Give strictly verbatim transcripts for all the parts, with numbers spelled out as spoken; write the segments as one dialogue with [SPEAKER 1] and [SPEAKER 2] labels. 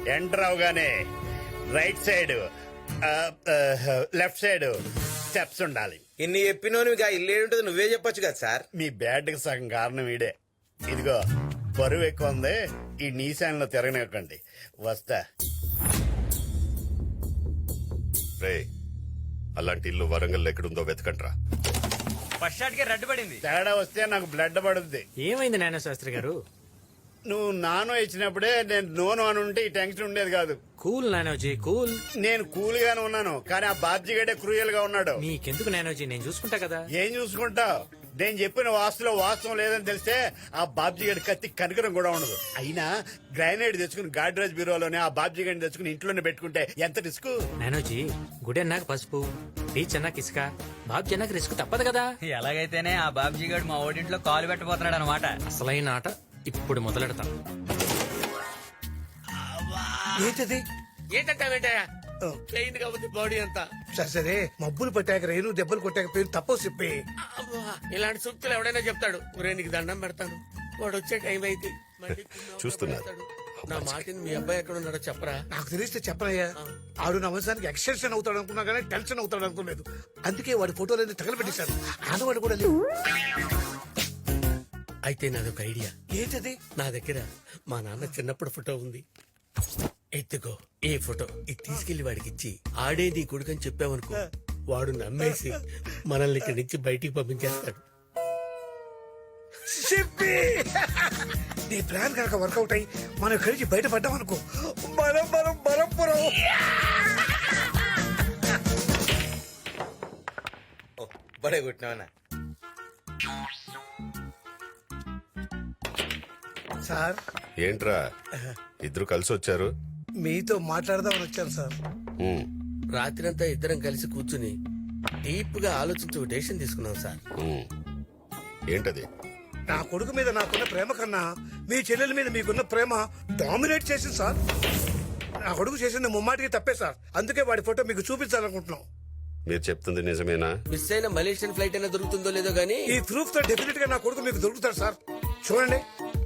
[SPEAKER 1] Enter అవగానే right side left side steps ఉండాలి.
[SPEAKER 2] ఇన్ని చెప్పినోని ఇక ఇల్లు ఏంటది నువ్వే చెప్పొచ్చు కదా సార్.
[SPEAKER 1] మీ బ్యాడ్ కి సగం కారణం ఈడే. ఇదిగో బరువు ఎక్కువ ఉంది, ఈ నీశాన్లో తిరగనివ్వకండి. వస్తా.
[SPEAKER 3] రే అలాంటి ఇల్లు వరంగల్ ఎక్కడుందో వెతకండ్రా.
[SPEAKER 4] ఫస్ట్ షాట్ కి రెడ్ పడింది.
[SPEAKER 1] తేడా వస్తే నాకు బ్లడ్ పడుద్ది.
[SPEAKER 5] ఏమైంది నాయన శాస్త్రి గారు?
[SPEAKER 1] నువ్వు నానో ఇచ్చినప్పుడే నేను నోను అని ఉంటే ఈ టెన్షన్ ఉండేది కాదు.
[SPEAKER 5] కూల్ నానోజీ కూల్.
[SPEAKER 1] నేను కూల్ గానే ఉన్నాను, కానీ ఆ బాబ్జీగడే క్రూయల్ గా ఉన్నాడు.
[SPEAKER 5] మీకెందుకు నానోజీ, నేను చూసుకుంటా కదా.
[SPEAKER 1] ఏం చూసుకుంటావు? నేను చెప్పిన వాస్తులో వాస్తవం లేదని తెలిస్తే ఆ బాబ్జీగడి కత్తి కనికరం కూడా ఉండదు. అయినా గ్రానైడ్ తెచ్చుకుని గాడ్రేజ్ బ్యూరోలోనే ఆ బాబ్జీగడిని తెచ్చుకుని ఇంట్లోనే పెట్టుకుంటే ఎంత రిస్క్.
[SPEAKER 5] నానోజీ గుడి అన్నాక పసుపు, బీచ్ అన్నాక ఇసుక, బాబ్జీ అన్నాక రిస్క్ తప్పదు కదా.
[SPEAKER 4] ఎలాగైతేనే ఆ బాబ్జీ గారు మా ఓడింట్లో కాలు పెట్టబోతున్నాడు అనమాట.
[SPEAKER 5] అసలైన ఆట ఇప్పుడు మొదలెడతాం.
[SPEAKER 6] ఏంటది?
[SPEAKER 7] ఏంటంటావేంటయా? ప్లెయిన్ కాబట్టి బాడీ అంతా.
[SPEAKER 6] సరే సరే, మబ్బులు పట్టాక రేణు దెబ్బలు కొట్టాక పేరు తప్పో చెప్పి.
[SPEAKER 7] అబ్బా, ఇలాంటి సూక్తులు ఎవడైనా చెప్తాడు. ఒరే నీకు దండం పెడతాను, వాడు వచ్చే టైం అయితే మళ్ళీ
[SPEAKER 3] చూస్తున్నారు.
[SPEAKER 7] పెడతాడు. నా మాటిని మీ అబ్బాయి ఎక్కడ ఉన్నాడో చెప్పరా.
[SPEAKER 6] నాకు తెలిస్తే చెప్పనయ్యా. ఆడు నా వంశానికి ఎక్స్టెన్షన్ అవుతాడు అనుకున్నా కానీ టెన్షన్ అవుతాడు అనుకోలేదు. అందుకే వాడి ఫోటోలన్నీ తగలబెట్టేశారు. ఆడవాడు కూడా లేవు.
[SPEAKER 7] అయితే నాదొక ఐడియా.
[SPEAKER 6] ఏంటది?
[SPEAKER 7] నా దగ్గర మా నాన్న చిన్నప్పుడు ఫోటో ఉంది. ఎత్తుకో ఈ ఫోటో, ఇది తీసుకెళ్లి వాడికి ఇచ్చి ఆడే నీ కొడుకని చెప్పావనుకో, వాడు నమ్మేసి మనల్ని ఇక్కడి నుంచి బయటికి పంపించేస్తాడు.
[SPEAKER 6] చెప్పి నీ ప్లాన్ కనుక వర్కౌట్ అయ్యి మనం కలిసి బయటపడ్డాం అనుకో, మనం మనం బలంపురం.
[SPEAKER 2] బడే కొట్టినావనా
[SPEAKER 6] సార్?
[SPEAKER 3] ఏంట్రా ఇద్దరు కలిసి వచ్చారు?
[SPEAKER 6] మీతో మాట్లాడదామని వచ్చాను సార్.
[SPEAKER 3] ఉమ్,
[SPEAKER 7] రాత్రంతా ఇద్దరం కలిసి కూర్చుని డీప్ గా ఆలోచించి ఒక డెసిషన్ తీసుకున్నాం సార్.
[SPEAKER 3] ఉమ్. ఏంటది?
[SPEAKER 6] నా కొడుకు మీద నాకున్న ప్రేమ కన్నా మీ చెల్లెల మీద మీకున్న ప్రేమ డామినేట్ చేసింది సార్. నా కొడుకు చేసింది ముమ్మాటికి తప్పే సార్. అందుకే వాడి ఫోటో మీకు చూపించాలనుకుంటున్నాం.
[SPEAKER 3] మీరు చెప్తుంది నిజమేనా?
[SPEAKER 7] మిస్ అయిన మలేషియన్ ఫ్లైట్ అయినా దొరుకుతుందో లేదో గానీ
[SPEAKER 6] ఈ ప్రూఫ్ తో డెఫినెట్ గా నా కొడుకు మీకు దొరుకుతాడు సార్. చూడండి.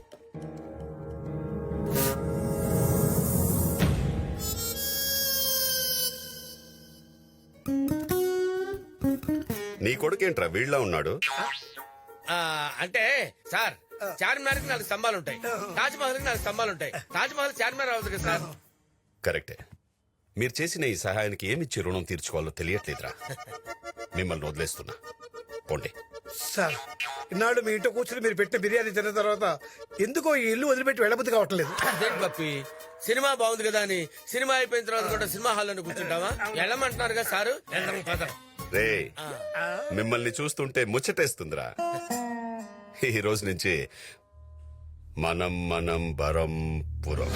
[SPEAKER 3] నీ కొడుకేంట్రా వీళ్ళ ఉన్నాడు?
[SPEAKER 7] ఆ, అంటే సార్ చార్మినార్ కి నాలుగు స్తంభాలు ఉంటాయి, తాజ్ మహల్ కి నాలుగు స్తంభాలు ఉంటాయి. తాజ్ మహల్ చార్మినార్ అవ్వదు కదా సార్.
[SPEAKER 3] కరెక్టే. మీరు చేసిన ఈ సహాయానికి ఏమిచ్చి రుణం తీర్చుకోవాలో తెలియట్లేదురా. మిమ్మల్ని వదిలేస్తున్నా, పోండి.
[SPEAKER 6] సార్ ఇన్నాళ్ళు మీ ఇంట్లో కూర్చుని మీరు పెట్టిన బిర్యానీ తిన్న తర్వాత ఎందుకో ఈ ఇల్లు వదిలిపెట్టి వెళ్ళబుద్ధి కావట్లేదు.
[SPEAKER 7] అదేంటి పప్పి, సినిమా బాగుంది కదా అని సినిమా అయిపోయిన తర్వాత కూడా సినిమా హాల్లో కూర్చుంటావా? వెళ్ళమంటున్నారు కదా సారు. వెళ్దాం, పద.
[SPEAKER 3] రే మిమ్మల్ని చూస్తుంటే ముచ్చటేస్తుందిరా. ఈ రోజు నుంచి మనం మనం బరం పురం.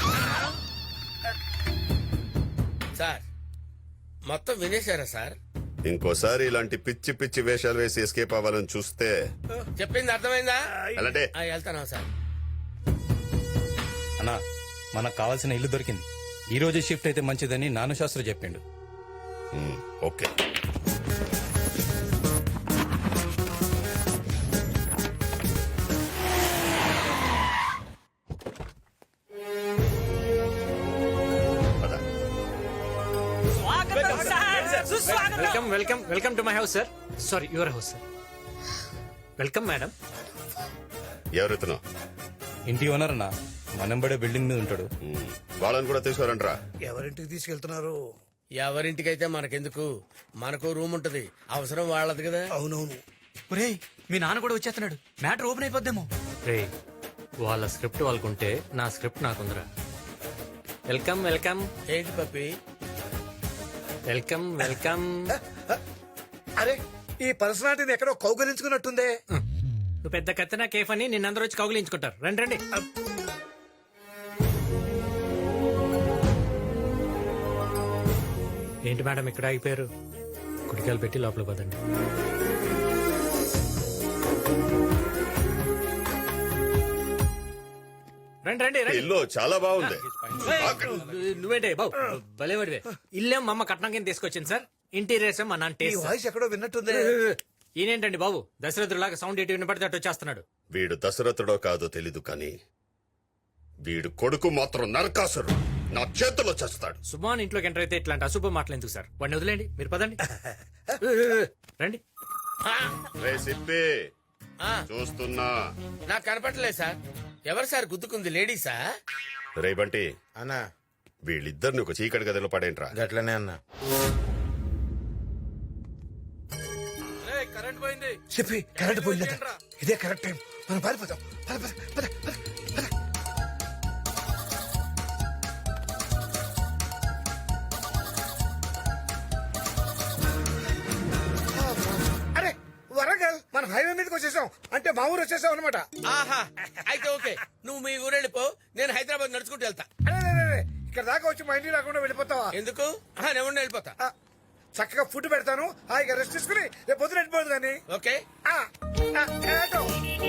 [SPEAKER 7] సార్ మొత్తం వినేశారా సార్?
[SPEAKER 3] ఇంకోసారి ఇలాంటి పిచ్చి పిచ్చి వేషాలు వేసి ఎస్కేప్ అవ్వాలని చూస్తే
[SPEAKER 7] చెప్పింది అర్థమైందా?
[SPEAKER 3] అలాంటే
[SPEAKER 7] ఆ, వెళ్తానా సార్?
[SPEAKER 8] అన్నా మనకు కావాల్సిన ఇల్లు దొరికింది. ఈ రోజు షిఫ్ట్ అయితే మంచిదని నాను శాస్త్రి చెప్పిండు.
[SPEAKER 3] Um, okay. పద.
[SPEAKER 5] Welcome welcome welcome to my house sir. Sorry, your house sir. Welcome madam.
[SPEAKER 3] ఎవరెత్తునో?
[SPEAKER 8] ఇంటి ఓనర్ అన్నా, మనంబడే బిల్డింగ్ మీద ఉంటాడు.
[SPEAKER 3] ఉమ్, వాళ్ళని కూడా తీసుకురంట్రా.
[SPEAKER 6] ఎవరింటికి తీసుకెళ్తున్నారు?
[SPEAKER 7] ఎవరింటికైతే మనకెందుకు, మనకు రూమ్ ఉంటది, అవసరం వాళ్ళది కదా.
[SPEAKER 6] అవునవును.
[SPEAKER 4] ఒరేయ్ మీ నాన్న కూడా వచ్చేస్తున్నాడు, మ్యాటర్ ఓపెన్ అయిపోద్దేమో.
[SPEAKER 5] రే వాళ్ళ స్క్రిప్ట్ వాళ్ళకుంటే నా స్క్రిప్ట్ నాకుందిరా. వెల్కమ్ వెల్కమ్
[SPEAKER 7] ఏంటి పప్పి?
[SPEAKER 5] Welcome welcome.
[SPEAKER 6] అరే ఈ పర్సనాలిటీని ఎక్కడో కౌగలించుకున్నట్టుందే.
[SPEAKER 5] నువ్వు పెద్ద కత్తినా కేఫ్ అని నిన్నందరూ వచ్చి కౌగిలించుకుంటారు. రండి రండి. ఏంటి మేడం ఇక్కడ ఆగిపోయారు? కుడికాయలు పెట్టి లోపల పదండి. రండి రండి రండి.
[SPEAKER 3] ఇల్లు చాలా బాగుంది.
[SPEAKER 5] నువ్వేంటే బాబు భలేవాడివే. ఇల్లేం మా అమ్మ కట్నం కింద తీసుకొచ్చింది సార్. ఇంటీరియర్స్ మా నాన్న
[SPEAKER 6] ఈ
[SPEAKER 5] టేస్ట్.
[SPEAKER 6] వాయిస్ ఎక్కడో విన్నట్టుంది.
[SPEAKER 5] ఈయనేంటండి బాబు దశరథులాగా సౌండ్ ఎటు వినపడితే అటు వచ్చేస్తున్నాడు.
[SPEAKER 3] వీడు దశరథుడో కాదో తెలీదు కానీ వీడు కొడుకు మాత్రం నరకాసురు. నా చేతుల్లో చేస్తాడు
[SPEAKER 5] సుమాన్ ఇంట్లోకి ఎంటర్ అయితే ఇట్లాంటి అశుభ మాటలు ఎందుకు సార్ వాడిని వదిలేండి మీరు పదండి రండి
[SPEAKER 3] రే సిప్పి
[SPEAKER 2] ఆ,
[SPEAKER 3] చూస్తున్నా
[SPEAKER 2] నాకు కనపడలేదు సార్. ఎవరు సార్ గుద్దుకుంది, లేడీసా?
[SPEAKER 3] రే బంటి
[SPEAKER 2] అన్నా
[SPEAKER 3] వీళ్ళిద్దరిని ఒక చీకటి గదిలో పడేంట్రా
[SPEAKER 2] గట్లనే అన్నా.
[SPEAKER 6] చెప్పి కరెంట్ పోయిందట ఇదే కరెక్ట్ టైం మనం పారిపోతాం పద, పద, పద, పద, పద. అరే వరంగల్ మనం హైవే మీదకి వచ్చేసాం అంటే మా ఊరు వచ్చేసాం అనమాట
[SPEAKER 2] ఆహా, అయితే ఓకే. నువ్వు మీ ఊరు వెళ్ళిపో, నేను హైదరాబాద్ నడుచుకుంటూ వెళ్తా.
[SPEAKER 6] ఇక్కడ దాకా వచ్చి మా ఇంటికి రాకుండా వెళ్ళిపోతావా
[SPEAKER 2] ఎందుకు? ఆహా, నేను ఉండి వెళ్ళిపోతా.
[SPEAKER 6] ఆ, చక్కగా ఫుడ్ పెడతాను హాయిగా రెస్ట్ తీసుకుని రేపు పొద్దున వెళ్ళిపోదు కానీ
[SPEAKER 2] ఓకే.
[SPEAKER 6] ఆ, ఆ, ఏటో.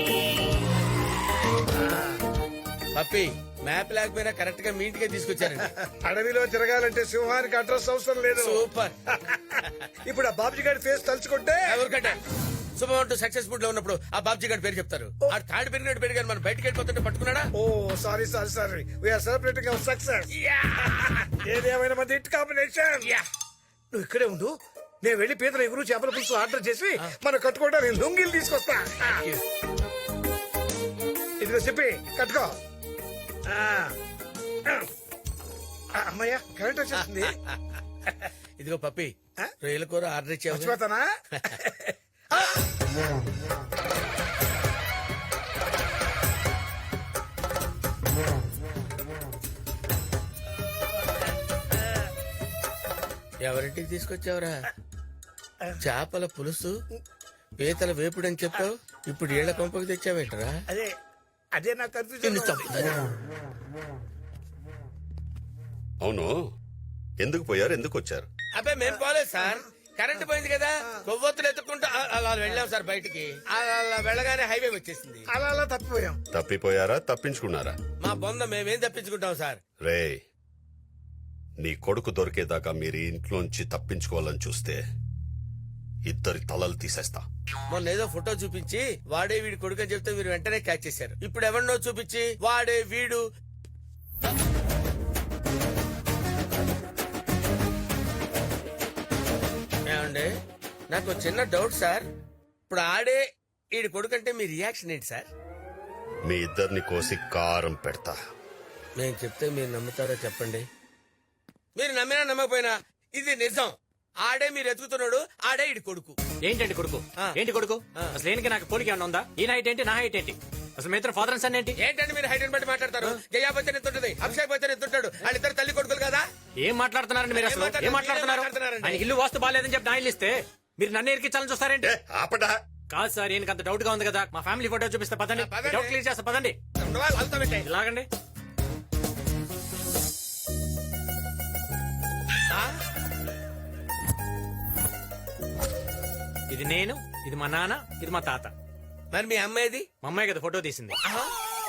[SPEAKER 2] పప్పి, మ్యాప్ లేకపోయినా కరెక్ట్ గా మీ ఇంటికే తీసుకొచ్చారండి.
[SPEAKER 6] అడవిలో తిరగాలంటే సింహానికి అడ్రస్ అవసరం లేదు
[SPEAKER 2] సూపర్.
[SPEAKER 6] ఇప్పుడు ఆ బాబుజీ గారి ఫేస్ తలుచుకుంటే
[SPEAKER 2] ఎవరికంటే శుభమంటూ సక్సెస్ఫుల్ లో ఉన్నప్పుడు ఆ బాబ్జీ గారి పేరు చెప్తారు. ఆ తాడు పెరిగినట్టు పెరిగారు, మనం బయటకు వెళ్ళిపోతుంటే పట్టుకున్నాడా?
[SPEAKER 6] Oh sorry sorry sorry we're celebrating our success ఏదేమైనా మంది హిట్ కాంబినేషన్ నువ్వు ఇక్కడే ఉండు నేను వెళ్ళి పీతల ఎగురు చేపల పులుసు ఆర్డర్ చేసి మనం కట్టుకోవడానికి లొంగిలు తీసుకొస్తా ఇదిగో చెప్పి కట్టుకో ఆ. ఆ, అమ్మయ్య కరెంట్ వచ్చేస్తుంది
[SPEAKER 2] ఇదిగో పప్పి, రొయ్యల కూర ఆర్డర్ ఇచ్చావు.
[SPEAKER 6] మర్చిపోతానా
[SPEAKER 2] ఎవరింటికి తీసుకొచ్చావురా? చేపల పులుసు, పీతల వేపుడు అని చెప్పావు, ఇప్పుడు ఏళ్ల కొంపకి తెచ్చావేంటరా?
[SPEAKER 6] అదే అదే నాకు
[SPEAKER 2] నిన్ను
[SPEAKER 6] కన్ఫ్యూజన్
[SPEAKER 2] చంపుతాను.
[SPEAKER 3] అవును ఎందుకు పోయారు ఎందుకు వచ్చారు
[SPEAKER 2] అబ్బాయి మేము పోలేదు సార్, కరెంట్ పోయింది కదా, కొవ్వొత్తులు ఎత్తుకుంటూ అ- అలా వెళ్ళాం సార్ బయటికి. అలా అలా వెళ్ళగానే హైవే వచ్చేసింది.
[SPEAKER 6] అలా అలా తప్పిపోయాం
[SPEAKER 3] తప్పిపోయారా తప్పించుకున్నారా
[SPEAKER 2] మా బొంద మేమేం తప్పించుకుంటాం సార్.
[SPEAKER 3] రే నీ కొడుకు దొరికేదాకా మీరు ఈ ఇంట్లోంచి తప్పించుకోవాలని చూస్తే ఇద్దరి తలలు తీసేస్తా
[SPEAKER 2] మొన్న ఏదో ఫోటో చూపించి వాడే వీడి కొడుకు అని చెప్తే మీరు వెంటనే క్యాచ్ చేశారు. ఇప్పుడు ఎవరినో చూపించి వాడే వీడు. ఏమండి, నాకు ఒక చిన్న డౌట్ సార్. ఇప్పుడు ఆడే వీడి కొడుకు అంటే మీ రియాక్షన్ ఏంటి సార్?
[SPEAKER 3] మీ ఇద్దరిని కోసి కారం పెడతా
[SPEAKER 2] నేను చెప్తే మీరు నమ్ముతారో చెప్పండి. మీరు నమ్మినా నమ్మకపోయినా ఇది నిజం. ఆడే మీరు ఎత్తుకుతున్నాడు, ఆడే ఇడి కొడుకు.
[SPEAKER 5] ఏంటండి కొడుకు
[SPEAKER 2] ఆ.
[SPEAKER 5] ఏంటి కొడుకు
[SPEAKER 2] ఆ.
[SPEAKER 5] అసలు ఏంటి నాకు పోలిక ఏమన్నా ఉందా ఈ హైట్ ఏంటి నా హైట్ ఏంటి అసలు మీ ఇద్దరు ఫాదర్ అండ్ సన్ ఏంటి
[SPEAKER 2] ఏంటంటే మీరు హైట్ బట్టి మాట్లాడతారు? జయా బచ్చన్ ఎంత ఉంటుంది, అభిషేక్ బచ్చన్ ఎంత ఉంటాడు? వాళ్ళిద్దరు తల్లి కొడుకులు కదా.
[SPEAKER 5] ఏం మాట్లాడుతున్నారండి మీరు అసలు
[SPEAKER 2] ఏం
[SPEAKER 5] ఏం మాట్లాడుతున్నారు
[SPEAKER 2] మాట్లాడుతున్నారండి?
[SPEAKER 5] ఆయన ఇల్లు వాస్తు బాగాలేదని చెప్పి నా ఇల్లు ఇస్తే మీరు నన్ను ఎరికించాలని చూస్తారేంటి
[SPEAKER 3] ఏ, ఆపడా
[SPEAKER 5] కాదు సార్ ఈయనకి అంత డౌట్ గా ఉంది కదా మా ఫ్యామిలీ ఫోటో చూపిస్తే పదండి
[SPEAKER 2] ఆ, పదండి.
[SPEAKER 5] డౌట్ క్లియర్ చేస్తా పదండి
[SPEAKER 2] ఉండవా? వాళ్ళతో పెట్టేయ్.
[SPEAKER 5] ఇలాగండి
[SPEAKER 2] ఆ?
[SPEAKER 5] ఇది నేను ఇది మా నాన్న ఇది మా తాత
[SPEAKER 2] మరి మీ అమ్మాయిది?
[SPEAKER 5] మా అమ్మాయి కదా ఫోటో తీసింది
[SPEAKER 2] ఆహా.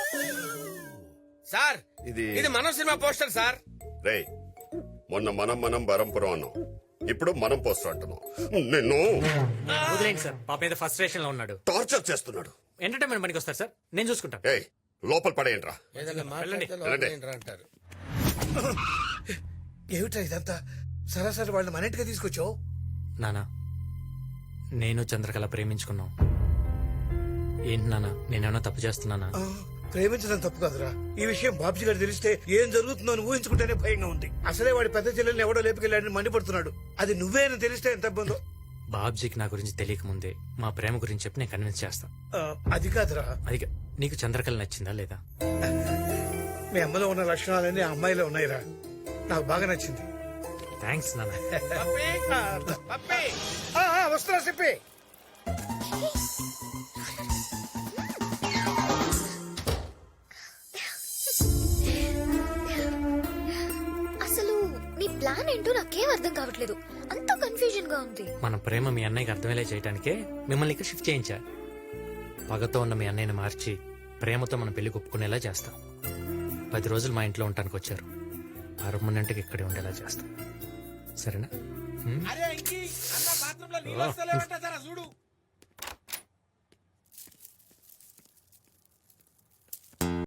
[SPEAKER 2] సార్
[SPEAKER 3] ఇది
[SPEAKER 2] ఇది మనం సినిమా పోస్టర్ సార్.
[SPEAKER 3] రే మొన్న మనం మనం బరంపురం అన్నాం ఇప్పుడు మనం పోస్టర్ అంటున్నాం నిన్ను
[SPEAKER 5] వదిలేండి సార్ పాప మీద ఫస్ట్ స్టేషన్ లో ఉన్నాడు
[SPEAKER 3] టార్చర్ చేస్తున్నాడు
[SPEAKER 5] ఎంటర్టైన్మెంట్ పనికి వస్తారు సార్ నేను చూసుకుంటాను
[SPEAKER 3] ఏయ్ లోపల పడేయంట్రా
[SPEAKER 2] ఏదైనా మాట్లాడితే
[SPEAKER 3] వెళ్ళండి.
[SPEAKER 2] లోపల ఏంట్రా అంటారు.
[SPEAKER 6] ఏమిటా ఇదంతా సరాసరి వాళ్ళని మన ఇంటికి తీసుకొచ్చావు
[SPEAKER 5] నానా నేను చంద్రకళ ప్రేమించుకున్నాం ఏంటి నానా నేనేమన్నా తప్పు చేస్తున్నానా
[SPEAKER 6] ఆ, ప్రేమించడం తప్పు కాదురా ఈ విషయం బాబ్జీ గారు తెలిస్తే ఏం జరుగుతుందో అని ఊహించుకుంటేనే భయంగా ఉంది అసలే వాడి పెద్ద చెల్లెల్ని ఎవడో లేపుకెళ్ళాడని మండిపడుతున్నాడు అది నువ్వే అని తెలిస్తే ఎంత ఇబ్బందో
[SPEAKER 5] బాబ్జీకి నా గురించి తెలియక ముందే మా ప్రేమ గురించి చెప్పి నేను కన్విన్స్ చేస్తా
[SPEAKER 6] ఆ, అది కాదురా
[SPEAKER 5] అది కా- నీకు చంద్రకళ నచ్చిందా లేదా
[SPEAKER 6] మీ అమ్మలో ఉన్న లక్షణాలన్నీ ఆ అమ్మాయిలో ఉన్నాయిరా నాకు బాగా నచ్చింది
[SPEAKER 5] థ్యాంక్స్ నాన్న
[SPEAKER 2] పప్పి,
[SPEAKER 6] ఆ,
[SPEAKER 2] పప్పి.
[SPEAKER 6] ఆ, ఆ, వస్తున్నా చెప్పి
[SPEAKER 9] అసలు నీ ప్లాన్ ఏంటో నాకేం అర్థం కావట్లేదు అంత కన్ఫ్యూజన్ గా ఉంది
[SPEAKER 5] మన ప్రేమ మీ అన్నయ్యకి అర్థమయ్యేలా చేయడానికే మిమ్మల్ని ఇక్కడ షిఫ్ట్ చేయించా పగతో ఉన్న మీ అన్నయ్యని మార్చి ప్రేమతో మన పెళ్లి ఒప్పుకునేలా చేస్తాం పది రోజులు మా ఇంట్లో ఉండటానికి వచ్చారు పర్మనెంట్గా ఇక్కడే ఉండేలా చేస్తాం సరేనా హ్మ్?
[SPEAKER 2] అరే ఇంకి, అన్న బాత్రూంలో నీళ్ళు వస్తలేవంట, జరా చూడు.